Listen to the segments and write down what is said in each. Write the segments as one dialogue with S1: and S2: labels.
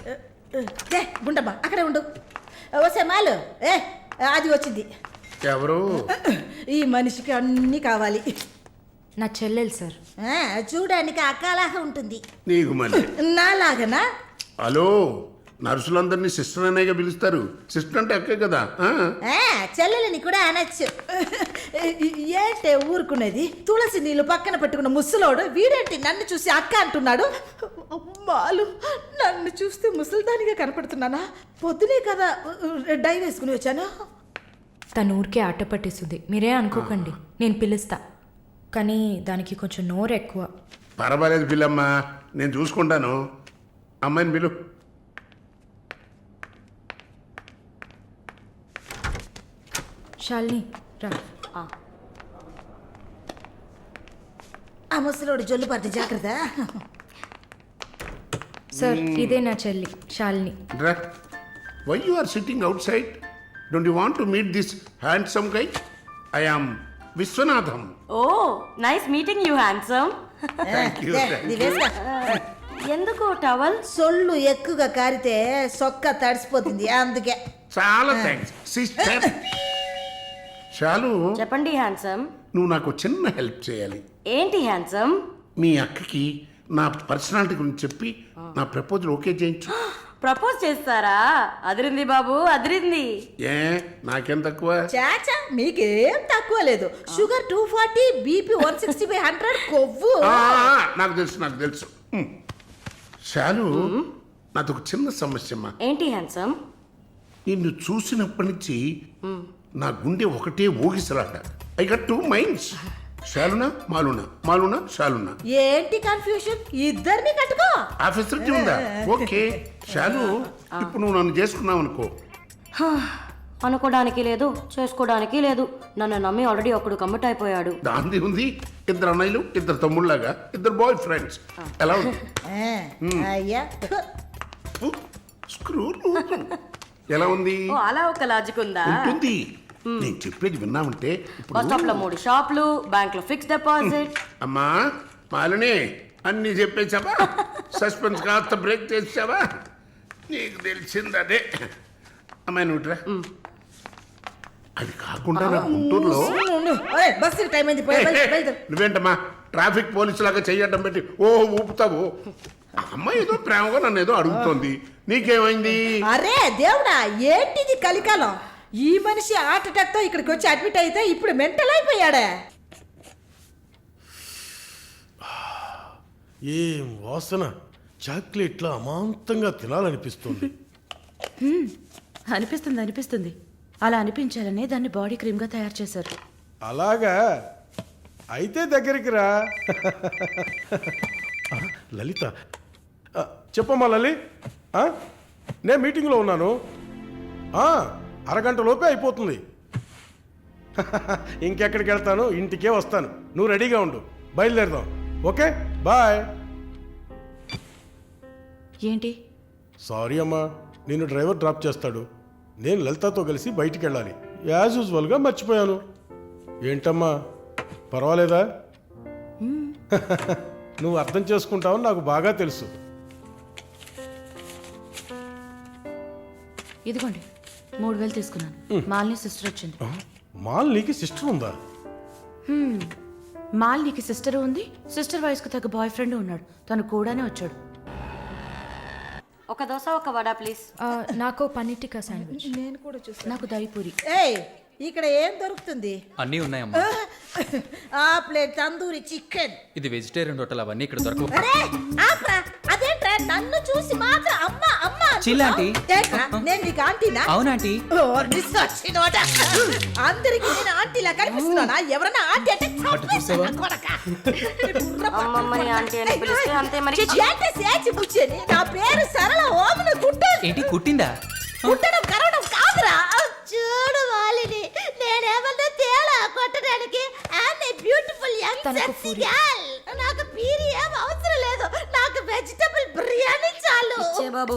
S1: గుండమ్మ అక్కడే ఉండు. వస్తే మాలు అది వచ్చింది.
S2: ఎవరు?
S1: ఈ మనిషికి అన్నీ కావాలి.
S3: నా చెల్లెలు సార్.
S1: చూడడానికి అక్కలాగా ఉంటుంది.
S2: నీకు మళ్ళీ
S1: నాలాగనా?
S2: హలో, నర్సులందరినీ సిస్టర్ అనేగా పిలుస్తారు. సిస్టర్ అంటే అక్కే కదా.
S1: చెల్లెలని కూడా అనొచ్చు. ఏంటే ఊరుకునేది? తులసి నీళ్ళు పక్కన పెట్టుకున్న ముసలోడు వీడేంటి నన్ను చూసి అక్క అంటున్నాడు? అమ్మాలు, నన్ను చూస్తే ముసలిదానిగా కనపడుతున్నానా? పొద్దునే కదా డై వేసుకుని వచ్చాను.
S3: తను ఊరికే ఆట పట్టేస్తుంది, మీరే అనుకోకండి. నేను పిలుస్తా, కానీ దానికి కొంచెం నోరు ఎక్కువ.
S2: పర్వాలేదు పిల్లమ్మా, నేను చూసుకుంటాను. అమ్మాయిని పిలు.
S3: శాలిని రా.
S1: ఆ ముసలోడు జొల్లు పడితే జాగ్రత్త.
S3: సార్, ఇదే నా చెల్లి Shalini.
S2: Why you are sitting outside? Don't you want to meet this handsome guy? I am Vishwanatham.
S4: Oh, nice meeting you handsome. ఎందుకు టవల్?
S1: సొల్లు ఎక్కువగా కారితే సొక్క తడిసిపోతుంది, అందుకే.
S2: చాలా థ్యాంక్స్ సిస్టర్. చాలు,
S4: చెప్పండి హ్యాండ్సమ్.
S2: నువ్వు నాకు చిన్న హెల్ప్ చేయాలి.
S4: ఏంటి హ్యాండ్సమ్?
S2: మీ అక్కకి నా పర్సనాలిటీ గురించి చెప్పి నా ప్రపోజల్ ఓకే చేయించు.
S4: ప్రపోజ్ చేస్తారా? అదిరింది బాబు, అదిరింది.
S2: ఏ నాకేం తక్కువ?
S1: చాచా, మీకేం తక్కువ లేదు. షుగర్ 240, బీపీ 160/100, కొవ్వు.
S2: నాకు తెలుసు, నాకు తెలుసు. చాలు, నాదొక చిన్న సమస్యమ్మా.
S4: ఏంటి హ్యాండ్సమ్?
S2: నిన్ను చూసినప్పటి నుంచి నా గుండె ఒకటే ఊగిసలాట. I got 2 minds. శాలునా మాలునా, మాలునా శాలునా.
S1: ఏంటి కన్ఫ్యూషన్? ఇద్దరిని కట్టుకో.
S2: ఆఫీసర్కి ఉందా? ఓకే శాలు, ఇప్పుడు నువ్వు నన్ను చేసుకున్నావు అనుకో.
S4: అనుకోవడానికి లేదు, చేసుకోవడానికి లేదు. నన్ను నమ్మి ఆల్రెడీ ఒకడు కమిట్ అయిపోయాడు.
S2: దాంది ఉంది. 2 అన్నయ్యలు, 2 తమ్ముళ్ళలాగా, 2 బాయ్ ఫ్రెండ్స్. ఎలా ఉంది?
S1: అయ్యా,
S2: స్క్రూ ఎలా ఉంది?
S4: అలా ఒక లాజిక్ ఉందా?
S2: ఉంటుంది. నేను చెప్పేది విన్నామంటే
S4: బస్ స్టాప్ లో 3 షాపులు, బ్యాంక్ లో ఫిక్స్ డిపాజిట్.
S2: అమ్మా మాలిని, అన్ని చెప్పేసావా? సస్పెన్స్ కాస్త బ్రేక్ చేసావా? నీకు తెలిసింది అదే. అమ్మాయి నువ్వుట్రా. అది కాకుండా నా గుంటూరులో
S1: బస్సు టైం అయింది.
S2: నువ్వేంటమ్మా ట్రాఫిక్ పోలీసు లాగా చెయ్యడం పెట్టి ఊపుతావు? అమ్మాయి ఏదో ప్రేమగా నన్ను ఏదో అడుగుతోంది, నీకేమైంది?
S1: అరే దేవుడా, ఏంటిది కలికాలం? ఈ మనిషి హార్ట్ అటాక్ తో ఇక్కడికి వచ్చి అడ్మిట్ అయితే ఇప్పుడు మెంటల్ అయిపోయాడే.
S5: ఏం వాసన! చాక్లెట్లా అమాంతంగా తినాలనిపిస్తుంది.
S6: అనిపిస్తుంది. అలా అనిపించాలనే దాన్ని బాడీ క్రీమ్ గా తయారు చేశారు.
S5: అలాగా? అయితే దగ్గరికి రా. లలిత, చెప్పమ్మా లలి. నేను మీటింగ్లో ఉన్నాను. అరగంట లోపే అయిపోతుంది. ఇంకెక్కడికి వెళ్తాను? ఇంటికే వస్తాను. నువ్వు రెడీగా ఉండు, బయలుదేరదాం. Okay, bye.
S6: ఏంటి?
S5: సారీ అమ్మా, నిన్ను డ్రైవర్ డ్రాప్ చేస్తాడు. నేను లలితతో కలిసి బయటికి వెళ్ళాలి. యాజ్ యూజువల్గా మర్చిపోయాను. ఏంటమ్మా, పర్వాలేదా? నువ్వు అర్థం చేసుకుంటావని నాకు బాగా తెలుసు.
S6: ఇదిగోండి 3000 తీసుకున్నాను. మాలిని సిస్టర్ వచ్చింది.
S5: మాలినికి సిస్టర్ ఉందా?
S6: మాలినికి సిస్టర్ ఉంది. సిస్టర్ వయసుకు తగ్గ బాయ్ ఫ్రెండ్ ఉన్నాడు. తను కూడానే వచ్చాడు.
S4: ఒక దోశ, ఒక వడ ప్లీజ్.
S3: నాకు పన్నీర్ టిక్కా శాండ్విచ్.
S1: నేను కూడా చూస్తాను.
S6: నాకు దహిపూరి.
S1: ఇక్కడ ఏం దొరుకుతుంది?
S7: అన్నీ ఉన్నాయమ్మా.
S1: ఆ ప్లేట్ తందూరి చికెన్.
S7: ఇది వెజిటేరియన్ హోటల్, అవన్నీ ఇక్కడ దొరకవు.
S1: అదేంట్రా నన్ను చూసి మాత్రం అమ్మా అమ్మా?
S7: చిల్లాంటి,
S1: నేను నీకు ఆంటీనా?
S7: అవునాంటీ.
S1: అందరికి నేను ఆంటీలా కనిపిస్తున్నానా? ఎవరన్నా ఆంటీ అంటే
S4: అమ్మమ్మని ఆంటీ అని పిలిస్తే అంతే మరి.
S1: నా పేరు సరళ ఓమన కుట్టాను.
S7: ఏంటి కుట్టిందా?
S1: కుట్టడం కరవడం కాదురా. చూడు వాలిని, నేనేమన్నా తేడా కొట్టడానికి. Beautiful young sexy girl. నాకు పీరి ఏం అవసరం లేదు. నాకు వెజిటబుల్ బిర్యానీ చాలు.
S4: ఇచ్చే బాబు.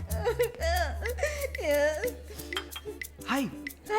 S7: హాయ్.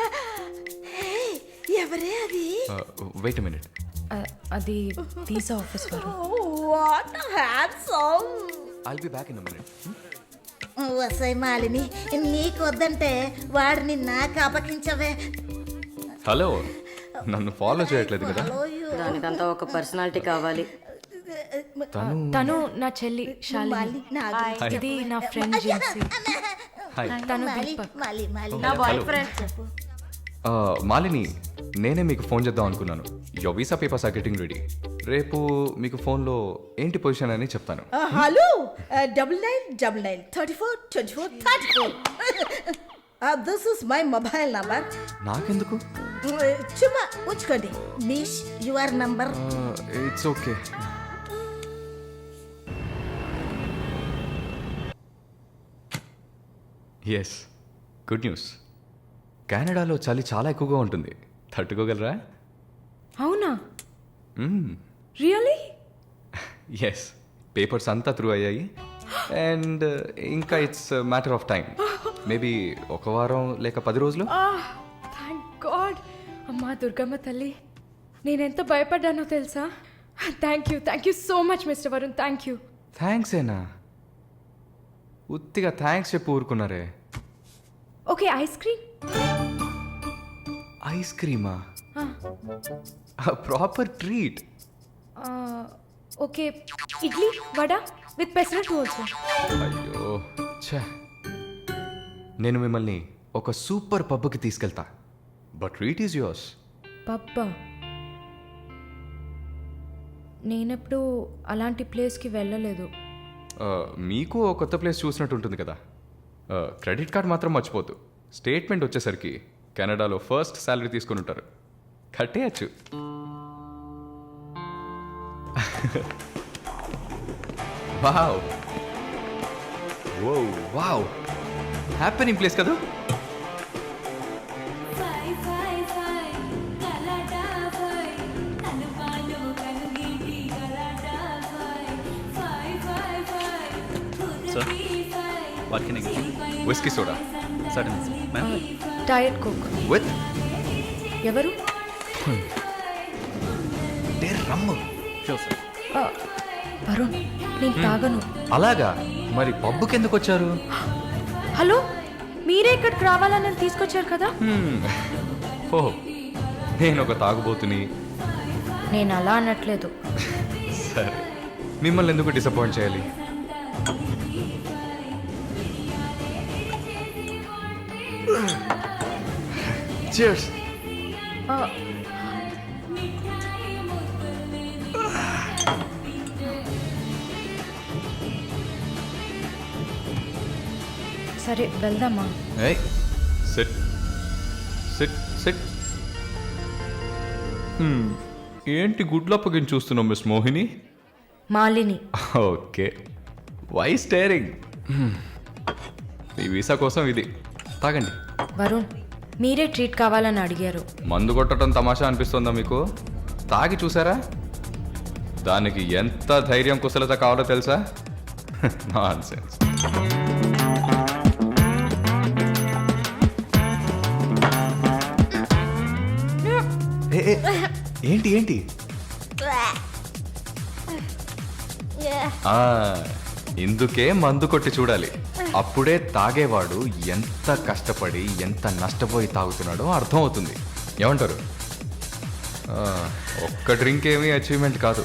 S1: ఎవరే అది?
S7: Wait a minute.
S3: అది వీసా ఆఫీస్ వారు.
S1: What handsome.
S7: I'll be back in a minute.
S1: వసై మాలిని నీకు వద్దంటే వాడిని నాకు అపకించవే.
S7: హలో నన్ను ఫాలో చేయట్లేదు కదా?
S4: దానికంతా ఒక పర్సనాలిటీ కావాలి.
S3: తను నా చెల్లి శాలిని. ఇది నా ఫ్రెండ్ జిన్సీ.
S7: హాయ్.
S3: తను దీపక్.
S4: నా బాయ్ ఫ్రెండ్.
S7: మాలిని, నేనే మీకు ఫోన్ చేద్దాం అనుకున్నాను. Your visa papers are getting ready. రేపు మీకు ఫోన్లో ఏంటి పొజిషన్ అని చెప్తాను.
S1: Hello 9999342434. This is my mobile number.
S7: నాకెందుకు?
S1: చుమ్మా ఉంచుకోండి. నిష్ your number.
S7: It's okay. Yes, good news. కెనడాలో చలి చాలా ఎక్కువగా ఉంటుంది. తట్టుకోగలరా?
S3: అవునా? రియలీ?
S7: ఎస్, పేపర్స్ అంతా త్రూ అయ్యాయి. అండ్ ఇంకా it's matter of time. Maybe ఒక వారం లేక 10 రోజులు.
S3: Thank god. అమ్మా దుర్గమ్మ తల్లి, నేనెంత భయపడ్డానో తెలుసా? Thank you so much mister Varun. Thank you.
S7: Thanks ఏనా? ఉత్తిగా థ్యాంక్స్ చెప్పి ఊరుకున్నారే.
S3: Okay, ice cream.
S7: ఐస్ క్రీమా? Proper treat.
S3: Okay, idli vada with pesarattu also.
S7: అయ్యో ఛే, నేను మిమ్మల్ని ఒక సూపర్ పబ్కి తీసుకెళ్తా. But treat is yours.
S3: పబ్బా? నేనెప్పుడు అలాంటి ప్లేస్కి వెళ్ళలేదు.
S7: మీకు ఓ కొత్త ప్లేస్ చూసినట్టు ఉంటుంది కదా. క్రెడిట్ కార్డ్ మాత్రం మర్చిపోద్దు. స్టేట్మెంట్ వచ్చేసరికి కెనడాలో ఫస్ట్ శాలరీ తీసుకుని ఉంటారు. కట్టేయచ్చు. వావ్ వావ్, హ్యాపెనింగ్ ప్లేస్ కదా. Whisky soda
S3: diet coke
S7: with
S3: ఎవరు?
S7: రమ్ము.
S3: వరుణ్, నేను తాగను.
S7: అలాగా? మరి పబ్బుకి ఎందుకు వచ్చారు?
S3: హలో, మీరే ఇక్కడికి రావాలని నన్ను తీసుకొచ్చారు కదా.
S7: ఓ, నేను ఒక తాగుబోతుని.
S3: నేను అలా అనట్లేదు.
S7: సరే, మిమ్మల్ని ఎందుకు డిసప్పాయింట్ చేయాలి? Cheers.
S3: సరే వెళ్దామా?
S7: Hey, sit. Sit, sit. ఏంటి గుడ్లు అప్పగించి చూస్తున్నావు miss Mohini?
S3: Malini.
S7: Okay, why staring? మీ వీసా కోసం ఇది తాగండి.
S3: వరుణ్, మీరే ట్రీట్ కావాలని అడిగారు.
S7: మందు కొట్టడం తమాషా అనిపిస్తుందా మీకు? తాగి చూసారా? దానికి ఎంత ధైర్యం కుశలత కావాలో తెలుసా? నాన్సెన్స్. ఏంటి ఏంటి? ఇందుకే మందు కొట్టి చూడాలి. అప్పుడే తాగేవాడు ఎంత కష్టపడి ఎంత నష్టపోయి తాగుతున్నాడో అర్థమవుతుంది. ఏమంటారు? ఒక్క డ్రింక్ ఏమీ అచీవ్మెంట్ కాదు.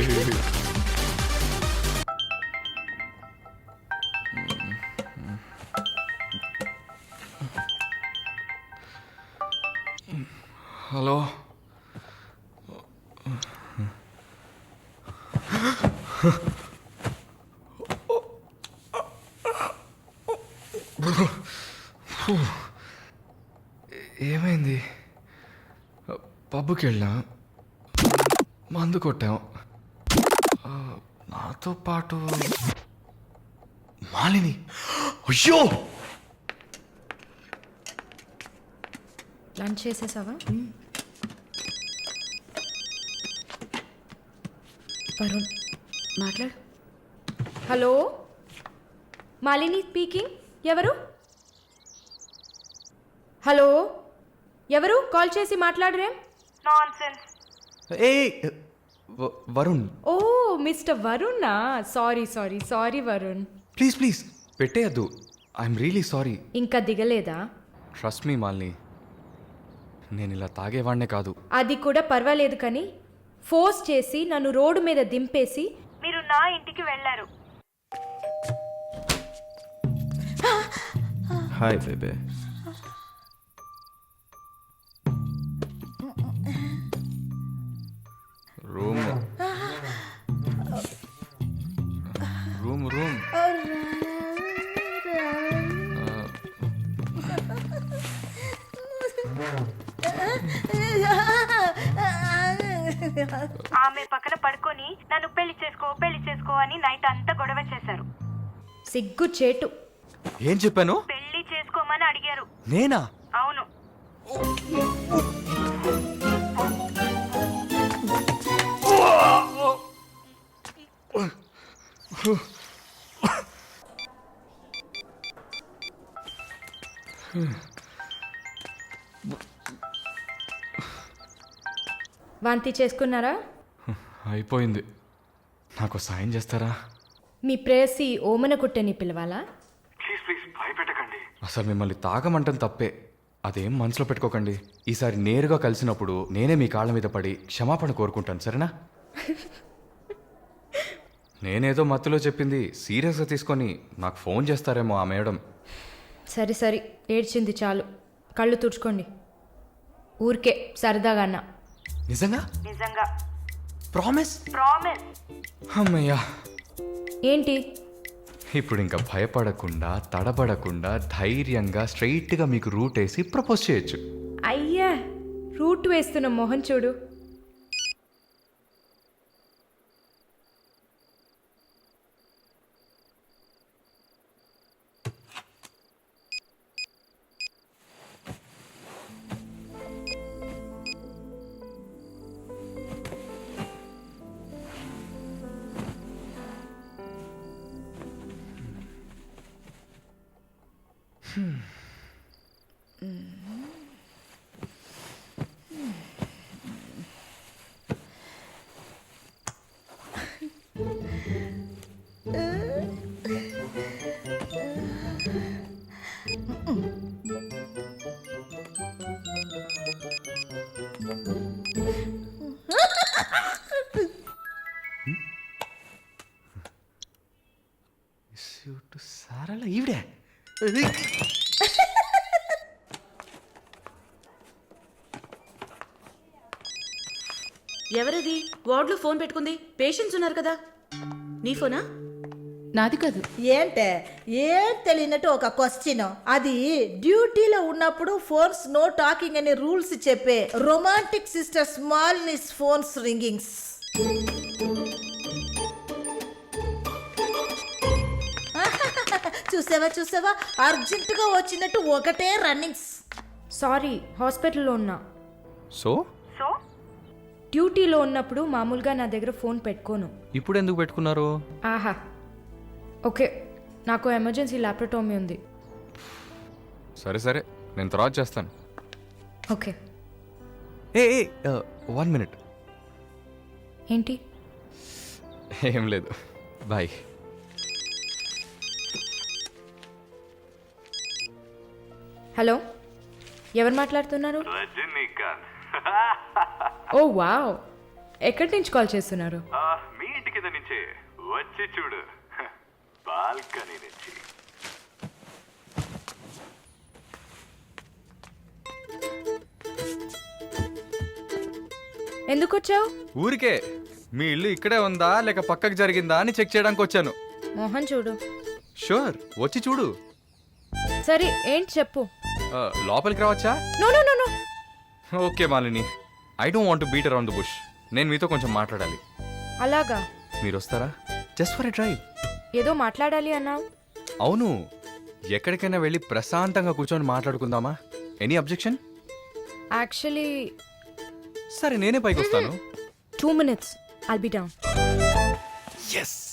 S7: హలో ఏమైంది? పబ్కి వెళ్ళాం, మందు కొట్టాం. నాతో పాటు మాలిని. అయ్యో,
S3: లంచ్ చేసేసావా? వరుణ్ మాట్లాడు. Hello, Malini speaking. ఎవరు? హలో, ఎవరు? కాల్ చేసి మాట్లాడరేం?
S7: ఏ వరుణ్,
S3: ఓ మిస్టర్ వరుణా. Sorry sorry sorry Varun.
S7: Please please పెట్టేయద్దు. I'm really sorry.
S3: ఇంకా దిగలేదా?
S7: ట్రస్ట్ మీ మాలిని, నేను ఇలా తాగేవాడినే కాదు.
S3: అది కూడా పర్వాలేదు, కానీ ఫోర్స్ చేసి నన్ను రోడ్డు మీద దింపేసి మీరు నా ఇంటికి వెళ్ళారు.
S7: Hi baby. Room room room
S8: ఆమె పక్కన పడుకొని నన్ను పెళ్లి చేసుకో అని నైట్ అంతా గొడవ చేశారు.
S3: సిగ్గు చేటు.
S7: ఏం చెప్పాను?
S8: పెళ్లి చేసుకోమని అడిగారు.
S7: నేనా?
S8: అవును.
S3: వాంతి చేసుకున్నారా?
S7: అయిపోయింది. నాకు సాయం చేస్తారా?
S3: మీ ప్రేయసి ఓమన కుట్టని పిలవాలా?
S7: అసలు మిమ్మల్ని తాగమంటం తప్పే, అదేం మనసులో పెట్టుకోకండి. ఈసారి నేరుగా కలిసినప్పుడు నేనే మీ కాళ్ళ మీద పడి క్షమాపణ కోరుకుంటాను, సరేనా? నేనేదో మత్తులో చెప్పింది సీరియస్గా తీసుకొని నాకు ఫోన్ చేస్తారేమో ఆ మేడం.
S3: సరే సరే, ఏడ్చింది చాలు. కళ్ళు తుడుచుకోండి. ఊరికే సరదాగా అన్నా.
S7: నిజంగా?
S8: నిజంగా.
S7: ప్రామిస్?
S8: ప్రామిస్.
S7: అమ్మయ్యా.
S3: ఏంటి?
S7: ఇప్పుడు ఇంకా భయపడకుండా తడబడకుండా ధైర్యంగా స్ట్రైట్గా మీకు రూట్ వేసి ప్రపోజ్ చేయొచ్చు.
S3: అయ్యా, రూట్ వేస్తున్న మొహం చూడు.
S7: సారలా ఈవిడే.
S6: ఎవరది వార్డులో ఫోన్ పెట్టుకుంది? పేషెంట్స్ ఉన్నారు కదా. నీ ఫోనా?
S1: నాది కాదు. ఏంటే ఏం తెలియనట్టు ఒక క్వశ్చన్. అది డ్యూటీలో ఉన్నప్పుడు ఫోన్స్ నో టాకింగ్ అనే రూల్స్ చెప్పే రొమాంటిక్ సిస్టర్ స్మాల్నిస్ ఫోన్స్ రింగింగ్స్. చూసావా అర్జెంటుగా వచ్చినట్టు ఒకటే రన్నింగ్స్.
S3: సారీ, హాస్పిటల్లో ఉన్నా.
S7: సో
S3: డ్యూటీలో ఉన్నప్పుడు మామూలుగా నా దగ్గర ఫోన్ పెట్టుకోను.
S7: ఇప్పుడు ఎందుకు పెట్టుకున్నారు?
S3: ఆహా, ఓకే, నాకు ఎమర్జెన్సీ ల్యాప్రటోమీ ఉంది.
S7: సరే సరే, నేను తర్వాత చేస్తాను.
S3: ఓకే.
S7: A 1 minute.
S3: ఏంటి?
S7: ఏం లేదు, బాయ్.
S3: హలో, ఎవరు మాట్లాడుతున్నారు? ఓ వావ్, ఎక్కడి నుంచి కాల్ చేస్తున్నారు?
S9: మీ
S7: కింద నుంచే వచ్చి చూడు బాల్కనీ నుంచి.
S3: ఎందుకు వచ్చావు?
S7: ఊరికే మీ ఇల్లు ఇక్కడే ఉందా లేక పక్కకు జరిగిందా అని చెక్ చేయడానికి వచ్చాను.
S3: మోహన్ చూడు.
S7: షూర్, వచ్చి చూడు.
S3: సరే ఏంటి చెప్పు.
S7: లోపలికి రావచ్చా?
S3: No no no no.
S7: Okay Malini, I don't want beat around the bush. నేను మీతో కొంచెం మాట్లాడాలి.
S3: అలాగా?
S7: మీరు వస్తారా? Just for a drive.
S3: ఏదో మాట్లాడాలి అన్నావు.
S7: అవును, ఎక్కడికైనా వెళ్ళి ప్రశాంతంగా కూర్చొని మాట్లాడుకుందామా? Any objection?
S3: యాక్చువల్లీ
S7: సరే నేనే పైకి వస్తాను.
S3: 2 minutes. I'll be down.
S7: Yes.